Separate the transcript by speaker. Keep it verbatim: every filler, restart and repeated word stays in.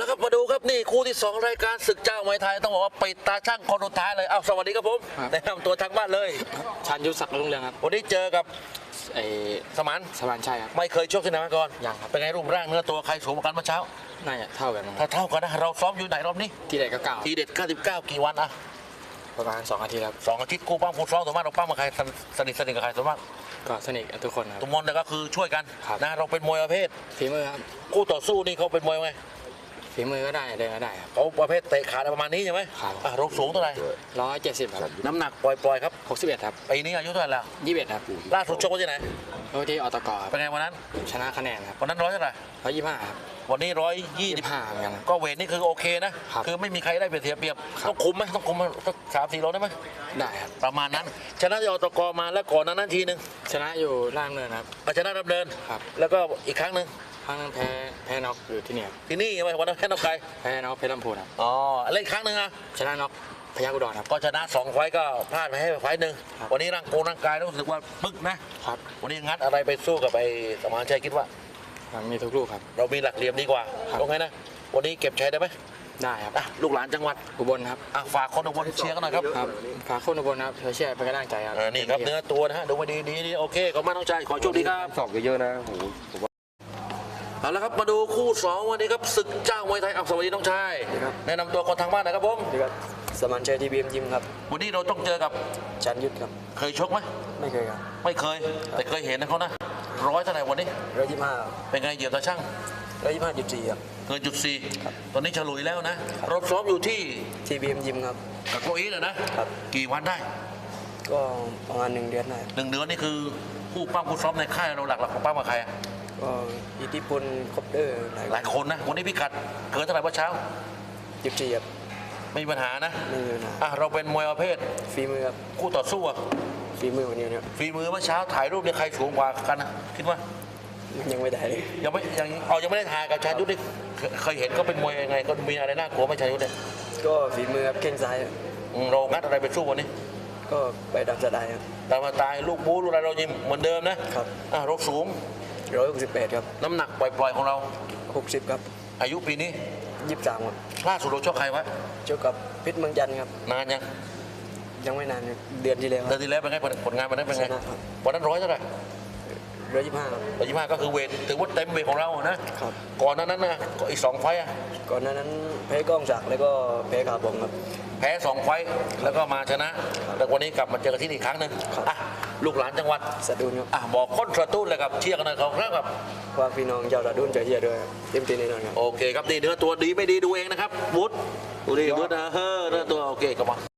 Speaker 1: แล้วครับมาดูครับนี่คู่ที่สองรายการศึกเจ้ามวยไทยต้องบอกว่าปิดตาช่างคนสุดท้ายเลยอ้าวสวัสดีครับผมแนะนำตัวทางบ้านเลย
Speaker 2: ชันยุทธศักดิ์รุ่งเรืองครับ
Speaker 1: วันนี้เจอกับ
Speaker 2: ไอ้
Speaker 1: สมาน
Speaker 2: สมานชัยครับ
Speaker 1: ไม่เคยชกที่ไหนมาก่อน
Speaker 2: ยังครับ
Speaker 1: เป็นไงรูปร่างเนื้อตัวใครสูงกว่ากันเมื่อเช้า
Speaker 2: น่าจะเท่ากัน
Speaker 1: ถ้าเท่ากันนะเราซ้อมอยู่ไหนรอบนี้
Speaker 2: ทีเด็ดก็เก่า
Speaker 1: ทีเด็ดเก้าสิบเก้ากี่วันอะ
Speaker 2: ประมาณสองอาทิตย์ครับ
Speaker 1: สองอาทิตย์คู่ปั้มคู่ซ้อมตัวมากเราปั้มกับใครสนิทสนิทกับใครตัวมาก
Speaker 2: ก็สนิททุกคนครับ
Speaker 1: ทุกคนก็คือช่วยกันนะเราเป็นมวยประเภท
Speaker 2: ฝีมือครับ
Speaker 1: คู่ต่อสู้นี่เขาเป็นมวยไง
Speaker 2: ฝีมือก็ได้เดินก็ได้ครับ
Speaker 1: เขาประเภทเตะขาประมาณนี้ใช่ไหม
Speaker 2: ครับ
Speaker 1: เราสูงเท่าไหร่
Speaker 2: ร้อยเจ็ดสิบครับ
Speaker 1: น้ำหนักปล่อยๆครับ
Speaker 2: หกสิบเอ็ดครับ
Speaker 1: ปีนี้อายุเท่าไหร่แล้ว
Speaker 2: ยี่สิบเอ็ดครับ
Speaker 1: ล่าสุดชกที่ไหน
Speaker 2: โอ้ที่อตก
Speaker 1: เป็นไงวันนั้น
Speaker 2: ชนะคะแนนครับ
Speaker 1: วันนั้นร้อยเท่าไหร่
Speaker 2: ร้อยยี่สิบห้าครับ
Speaker 1: วันนี้ร้อยยี่สิบ
Speaker 2: ห้าเหมือนกัน
Speaker 1: ก็เวทนี่คือโอเคนะคือไม่มีใครได้เปรียบเทียบต้องคุมไหมต้องคุมสักสามสี่โลได้ไหม
Speaker 2: ได้ครับ
Speaker 1: ประมาณนั้นชนะที่อตกมาแล้วก่อนนั้นนั้นทีนึง
Speaker 2: ชนะอยู่ล่างเนินครับ
Speaker 1: ชนะดำเนิน
Speaker 2: ครับ
Speaker 1: แล้วก็อีกครั้งหนึ่ง
Speaker 2: ครั้งนึงแพ้แพ้น็อกอยู่ที่นี่
Speaker 1: ที่นี่ใช่ไหมวันนั้นแพ้น็อกใคร
Speaker 2: แพ้น็อกเพชรลำพูนครับ
Speaker 1: อ๋อเล่นครั้งหนึ่งอะ
Speaker 2: ชนะน็อกพยัคฆ์อุดรครับ
Speaker 1: ก็ชนะสองไฟก็พลาดไปให้ไฟหนึ่งวันนี้ร่างโกร่างกายรู้สึกว่าปึ๊กนะครับวันนี้งัดอะไรไปสู้กับไอ้สมานชัยคิดว่า
Speaker 2: มีทุกลูกครับ
Speaker 1: เรามีหลักเหลี่ยมดีกว่าตรงไงนะวันนี้เก็บชัยได้ไหม
Speaker 2: ได้ครับ
Speaker 1: ลูกหลานจังหวัด
Speaker 2: อุบลครับ
Speaker 1: ฝากคนอุบลเชียร์กันหน่อยครับ
Speaker 2: ฝากคนอุบลครับเชียร์เป็นกำลังใจครับ
Speaker 1: นี่ครับเนื้อตัวนะฮะดูมาดีดีโอเคขอบคุณน้องชายขอโชคดีครับ
Speaker 3: สอบเยอะๆนะโอ้โห
Speaker 1: เอาละครับมาดูคู่สองวันนี้ครับศึกเจ้ามวยไทยอับสวัสดีน้องชายแนะนำตัวคนทางบ้านนะครับผม
Speaker 2: สมานชัยทีบีเอ็มยิมครับ
Speaker 1: วันนี้เราต้องเจอกับ
Speaker 2: ชันยุทธครับ
Speaker 1: เคยชกไหม
Speaker 2: ไม่เคยครับ
Speaker 1: ไม่เคยแต่เคยเห็นนะเขานะร้อยเท่าไหร่วันนี้
Speaker 2: ร้อยยี่สิบห้า
Speaker 1: เป็นไงเหยียบตาช่าง
Speaker 2: ร้อยยี่สิบห้าจุดสี่ครับ
Speaker 1: เกินจุดสี่ตอนนี้ฉลุยแล้วนะรถซ้อมอยู่ที่
Speaker 2: ทีบีเอ็มยิมครับ
Speaker 1: กับโกอีเลยนะครับกี่วันได้
Speaker 2: ก็ประมาณหนึ่งเดือนได้
Speaker 1: หนึ่งเดือนนี่คือผู้ปั้มผู้ซ้อมในค่ายเราหลักๆของปั้มกับใคร
Speaker 2: ก็อิทธิพลคอปเตอร์
Speaker 1: หลายคนนะวันนี้พิกัดเกินเท่าไหร่เมื่อเช้า
Speaker 2: จุดสี่ครับ
Speaker 1: ไม่มีปัญหานะ
Speaker 2: ไม่มีปัญหา
Speaker 1: อ่ะเราเป็นมวยประเภท
Speaker 2: ฝีมือครับ
Speaker 1: คู่ต่อสู้อ่ะ
Speaker 2: ฝีมือวันนี้เนี่ย
Speaker 1: ฝีมือเมื่อเช้าถ่ายรูปเนี่ยใครสูงกว่ากันนะคิดว่า
Speaker 2: ยังไม่ได้เลย
Speaker 1: ยังไม่ยังเอายังไม่ได้ถ่ายกับชายุทธนี่เคยเห็นก็เป็นมวยยังไงก็มีอะไรน่ากลัวไหมชายุทธเนี่ย
Speaker 2: ก็ฝีมือครับแข้งซ้าย
Speaker 1: เรางัดอะไรไปสู้วันนี้
Speaker 2: ก็ไปดับสะได้ครับ
Speaker 1: แต่มาตายลูกบู๊ลูกอะไรเรายิมเหมือนเดิมนะครับอ่ะรบสูง
Speaker 2: ร้อยหกสิบแปดครับ
Speaker 1: น้ำหนักปล่อยๆของเรา
Speaker 2: หกสิบครับ
Speaker 1: อายุปีนี้
Speaker 2: ยี่สิบสามครับ
Speaker 1: ล่าสุดเราชกใครวะ
Speaker 2: ชกกับเพชรเมืองจันทร์ครับ
Speaker 1: นานยัง
Speaker 2: ยังไม่นานเดือนที่แล้ว
Speaker 1: เดือนที่แล้วเป็นไงผลงานวันนั้นเป็นไงวันนั้นร้อยเท่าไหร่
Speaker 2: ร้อยยี่สิบห้า
Speaker 1: ร้อยยี่สิบห้าก็คือเวทถือว่าเต็มเวทของเรานะครับก่อนนั้นนั้นนะอีกสองไฟอ่ะ
Speaker 2: ก่อนนั้นแพ้กล้องศักดิ์แล้วก็แพ้ขาบงครับ
Speaker 1: แพ้สองไฟแล้วก็มาชนะแต่วันนี้กลับมาเจอกันที่อีกครั้งหนึ่งอ่ะลูกหลานจังหวัด
Speaker 2: สตูลครับ
Speaker 1: อ่ะบอกคนสตูลเลยครับเชียร์กันหน่อยครับ
Speaker 2: ว่าพี่น้องชาวสตูลจะเชียร์ด้วยเต็มที่แน่นอนครับ
Speaker 1: โอเคครับนี่เนื้อตัวดีไม่ดีดูเองนะครับวุฒิดูดีวุฒินะเฮ้อเนื้อตัวโอเคกลับมา